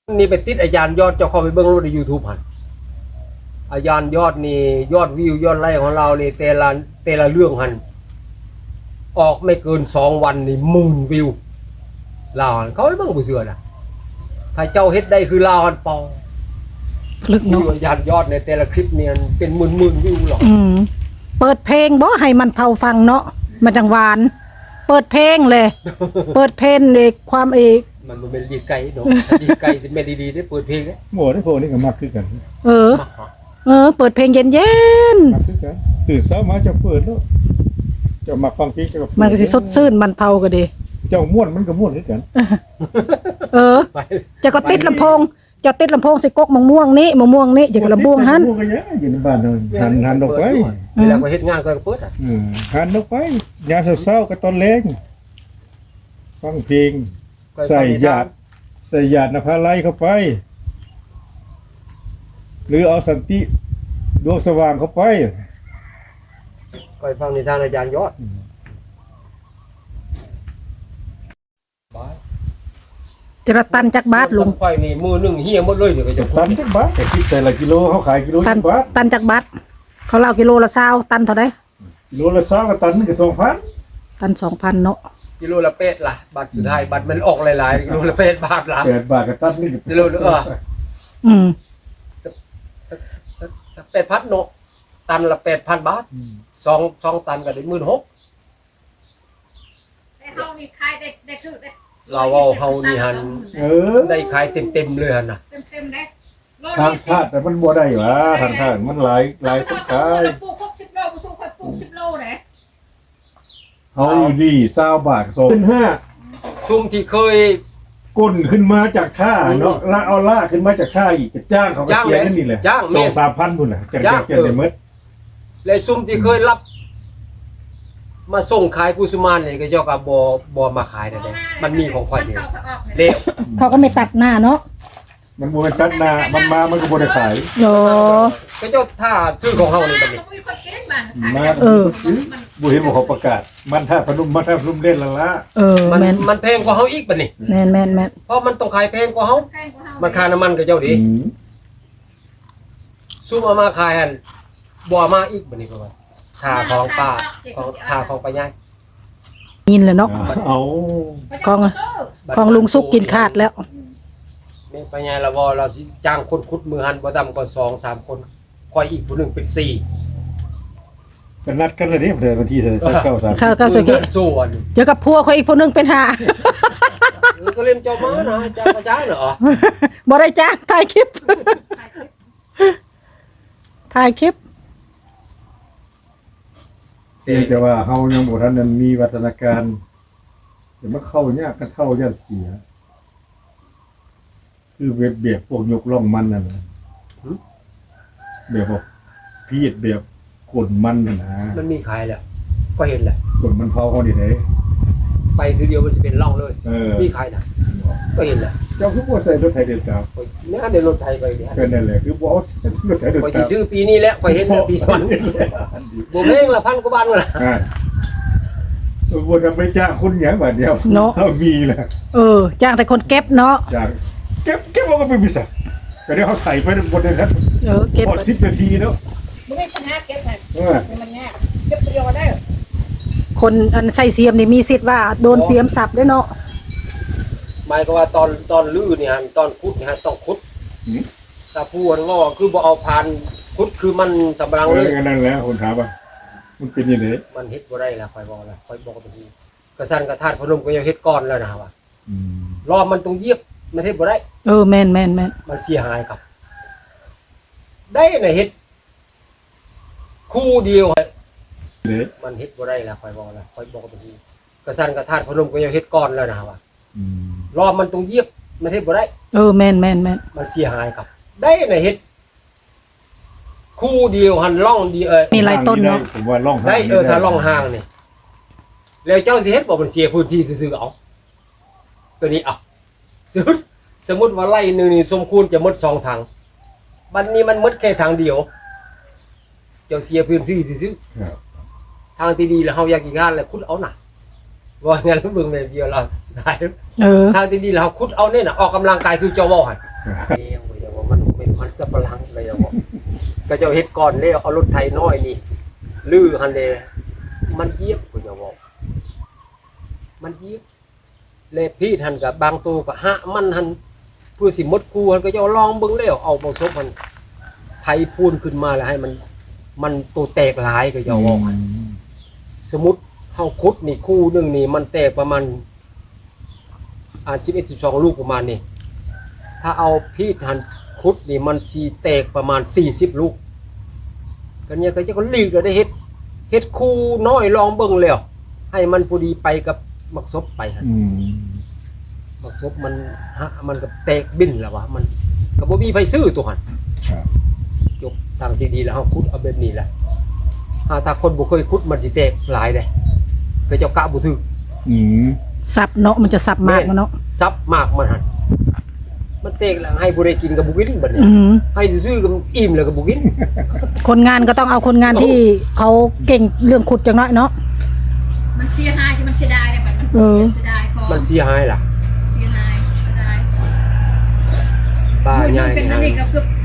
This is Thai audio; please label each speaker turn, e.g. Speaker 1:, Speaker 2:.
Speaker 1: นี่ไปติดอาจารย์ยอดเจ้าเข้าไปเบิ่งรูปใน YouTube หั่นอาจารย์ยอดนี่ยอดวิวยอดไลค์ของเรานี่แต่ละเรื่องหั่นออกไม่เกิน2 วันนี่10,000 วิวลาวหั่นเขาให้เบิ่งบ่เชื่อน่ะถ้าเจ้าเฮ็ดได้คือลาวหั่นปอ
Speaker 2: พลึกเนาะ
Speaker 1: อาจารย์ยอดในแต่ละคลิปเนี่ยเป็นหมื่นวิวหรอก
Speaker 2: เปิดเพลงบ่ให้มันเผาฟังเนาะมันจังหวานเปิดเพลงเลย เปิดเพลงเลยความ
Speaker 1: มันบ่แม่นดีไกลเนาะดีไกลสิแม่นดีๆได้เปิดเพลงเด้
Speaker 3: หมดได้พวกนี้ก็มักคือกัน
Speaker 2: เปิดเพลงเย็น
Speaker 3: มักคือกันตื่นเช้ามาจะเปิดแล้วจะมักฟังเพลงจะ
Speaker 2: มันก็สิสดชื่นมันเผาก็ดี
Speaker 3: เจ้าม่วนมันก็ม่วนคือกัน
Speaker 2: จะก็ติดลำโพงจะติดลำโพงใส่กกมะม่วงนี้จะก็ระบวงหั่น
Speaker 3: อยู่ในบ้านหันดอกไว้
Speaker 1: เวลาก็เฮ็ดงานก็เปิดอ่ะ
Speaker 3: หันดอกไว้ยามเช้าๆก็ตอนแลงฟังเพลงใส่หยาดนภาไลเข้าไปหรือเอาสันติดวงสว่างเข้าไป
Speaker 1: ก็ฟังนิทานอาจารย์ยอด
Speaker 2: จะตันจักบาทลุง
Speaker 1: ไฟนี่มือนึงเฮียหมดเลยเดี๋ยวก็จะ
Speaker 3: ตันจักบาทแต่คิดแต่ละกิโลเขาขายกิโลจักบาท
Speaker 2: ตันจักบาทเขาเล่ากิโลละ20ตันเท่าใด
Speaker 3: กิโลละ20ก็ตันนึงก็ 2,000
Speaker 2: ตัน 2,000 เนาะ
Speaker 1: กิโลละเป็ดล่ะบัตรสุดท้ายบัตรมันออกหลายๆกิโลละเป็ดบาทล่ะ
Speaker 3: 8 บาทก็ตันนึง
Speaker 1: กิโลละ8,000เนาะตันละ 8,000 บาท2ตันก็ได้ 16,000
Speaker 4: แต่เฮานี่ขายได้คือได้
Speaker 1: เราเอาเฮานี่หั่นได้ขายเต็มๆเลยหั่นน่ะ
Speaker 4: เต็มๆเด้
Speaker 3: ทางชาติแต่มันบ่ได้หว่าทางมันหลายคนขาย
Speaker 4: ปลูก60โลบ่สู้ค่อยปลูก10โลเด้
Speaker 3: เฮาอยู่นี่20 บาท2,500
Speaker 1: ซุ่มที่เคย
Speaker 3: ก้นขึ้นมาจากท่าเนาะแล้วเอาล่าขึ้นมาจากท่าอีกจ้างเขาก็เสียนั่นนี่แหละ 2-3,000 พุ่นน่ะจังได้หมด
Speaker 1: และซุ่มที่เคยรับมาส่งขายกุสุมานนี่ก็เจ้าก็บ่มาขายได้มันมีของข่อยนี่เด้
Speaker 2: เขาก็ไม่ตัดหน้าเนาะ
Speaker 3: มันบ่แม่นตัดหน้ามันมามันก็บ่ได้ขาย
Speaker 1: ก็เจ้าถ้าซื้อของเฮานี่บัดนี้
Speaker 3: บ่เห็นว่าเขาประกาศมันท่าพนมเล่นละละ
Speaker 1: มันแพงกว่าเฮาอีกบัดนี้
Speaker 2: แม่น
Speaker 1: เพราะมันต้องขายแพงกว่าเฮามันค่าน้ำมันก็เจ้าดิซุ่มเอามาขายหั่นบ่มาอีกบัดนี้ก็ว่าค่าของป้าค่าของป้ายาย
Speaker 2: ยินแล้วเนาะ
Speaker 3: เอา
Speaker 2: ของลุงสุกกินขาดแล้ว
Speaker 1: นี่ป้ายายละบ่เราสิจ้างคนขุดมือหั่นบ่ต่ำกว่า 2-3 คนค่อยอีกผู้นึงเป็น4
Speaker 3: ก็นัดกันแล้วเด้วันที่29-30
Speaker 1: ส่วน
Speaker 2: เจอกับพัวเขาอีกผู้นึงเป็น5
Speaker 1: ก็เล่นเจ้ามานะจ้างบ่จ่ายเหรอ
Speaker 2: บ่ได้จ้างถ่ายคลิป
Speaker 3: แต่ว่าเฮายังบ่ทันนั้นมีวัฒนาการเดี๋ยวมันเข้ายากกันเข้าย่านเสียคือเบียบพวกยกล่องมันนั่นน่ะแบบว่าพีดแบบกดมันน่ะนะ
Speaker 1: มันมีขายแล้วก็เห็นแหละ
Speaker 3: กดมันเผาเฮาดิเด้
Speaker 1: ไปทีเดียวมันสิเป็นร่องเลยมีขายน่ะก็เห็นแหละ
Speaker 3: เจ้าคือบ่ใส่รถไถเดินตาม
Speaker 1: เนี่ยได้รถไถไปเนี่ย
Speaker 3: ก็นั่นแหละคือบ่เอารถไถเดินตาม
Speaker 1: ไปซื้อปีนี้แล้วไปเห็นปีก่อนบ่แม่งละ1,000 กว่าบาทนั่นล่ะ
Speaker 3: บ่ทำไปจ้างคนหยังบาดเดียวเฮามีแหละ
Speaker 2: จ้างแต่คนเก็บเนาะ
Speaker 3: จ้างเก็บเอาก็ไปบิซะก็เดี๋ยวเฮาไถไปบนนั้นครับ
Speaker 2: เก็บ
Speaker 3: พอ10 นาทีเนาะ
Speaker 4: บ่มีปัญหาเก็บมันยากเก็บประโยชน์ได้
Speaker 2: คนอันใส่เสียมนี่มีสิทธิ์ว่าโดนเสียมสับด้วยเนาะ
Speaker 1: หมายก็ว่าตอนลื้อเนี่ยตอนขุดเนี่ยต้องขุดถ้าพูดงอคือบ่เอาผ่านขุดคือมันสำรังเลย
Speaker 3: นั่นแหละคนถามว่ามันเป็นยังไง
Speaker 1: มันเฮ็ดบ่ได้ล่ะค่อยบอกล่ะค่อยบอกไปทีกระสั่นกระทาดพนมก็ยังเฮ็ดก้อนแล้วนะว่ารอบมันต้องเยียบมันเฮ็ดบ่ได้
Speaker 2: แม่น
Speaker 1: มันเสียหายครับได้น่ะเฮ็ดคู่เดียวมันเฮ็ดบ่ได้ล่ะค่อยบอกล่ะค่อยบอกไปทีกระสั่นกระทาดพนมก็ยังเฮ็ดก้อนแล้วนะว่ารอบมันต้องเยียบมันเฮ็ดบ่ได้
Speaker 2: แม่น
Speaker 1: มันเสียหายครับได้น่ะเฮ็ดคู่เดียวหันร่องดี
Speaker 2: มีหลายต้นเนาะ
Speaker 3: ผมว่าร่อง
Speaker 1: ได้ถ้าร่องห่างนี่แล้วเจ้าสิเฮ็ดบ่มันเสียพื้นที่ซื่อๆเอาตัวนี้สมมุติว่าไร่นึงนี่สมควรจะหมด2 ถังบัดนี้มันหมดแค่ถังเดียวเจ้าเสียพื้นที่ซื่อๆทางที่ดีแล้วเฮาอยากกินข้าวแล้วขุดเอาน่ะว่างั้นเบิ่งแม่เดียวเราได้ทางที่ดีแล้วเฮาขุดเอาเนี่ยน่ะออกกำลังกายคือเจ้าว่าหั่นเลี้ยงไว้อย่างว่ามันเป็นมันสับปะหลังเลยอย่างว่าก็เจ้าเฮ็ดก่อนแล้วเอารถไถน้อยนี่ลื้อหันเลยมันเยียบก็อย่าบอกมันเยียบเลยพี่หันกับบางตัวก็หะมันหันเพื่อสิมดกูหันก็จะลองเบิ่งแล้วเอาบ่ซบมันไถพูนขึ้นมาแล้วให้มันตัวแตกหลายก็อย่าบอกสมมุติเฮาขุดนี่คู่หนึงนี่มันแตกประมาณ11 12ลูกประมาณนี้ถ้าเอาพีดหันขุดนี่มันสิแตกประมาณ40ลูกก็เนี่ยก็จะก็ลีกก็ได้เฮ็ดคู่น้อยลองเบิ่งแล้วให้มันพอดีไปกับมักซบไปหั่น มักซบมันมันก็แตกบินแล้ววะมันก็บ่มีไผซื้อตัวหั่น
Speaker 3: ครับ
Speaker 1: จบทางที่ดีแล้วเฮาขุดเอาแบบนี้แหละถ้าคนบ่เคยขุดมันสิแตกหลายเด้ก็เจ้ากะบ่ถึก
Speaker 2: สับเนาะมันจะสับมากมันเนาะ
Speaker 1: ซับมากมันหั่นมันแตกแล้วให้บ่ได้กินก็บ่กินบัดนี้
Speaker 2: อืม
Speaker 1: ให้ซื้อๆก็อิ่มแล้วก็บ่กิน
Speaker 2: คนงานก็ต้องเอาคนงานที่เขาเก่งเรื่องขุดจังน้อยเนาะ
Speaker 4: มันเสียหายที่มันเสียดายเนี่ยมัน
Speaker 2: เออ
Speaker 4: เสียดายของ
Speaker 1: มันเสียหายล่ะ
Speaker 4: เสียหายเสียดาย
Speaker 1: ป้า
Speaker 4: มือ
Speaker 1: ใหญ่
Speaker 4: เป็นอันนี้ก็เกือบ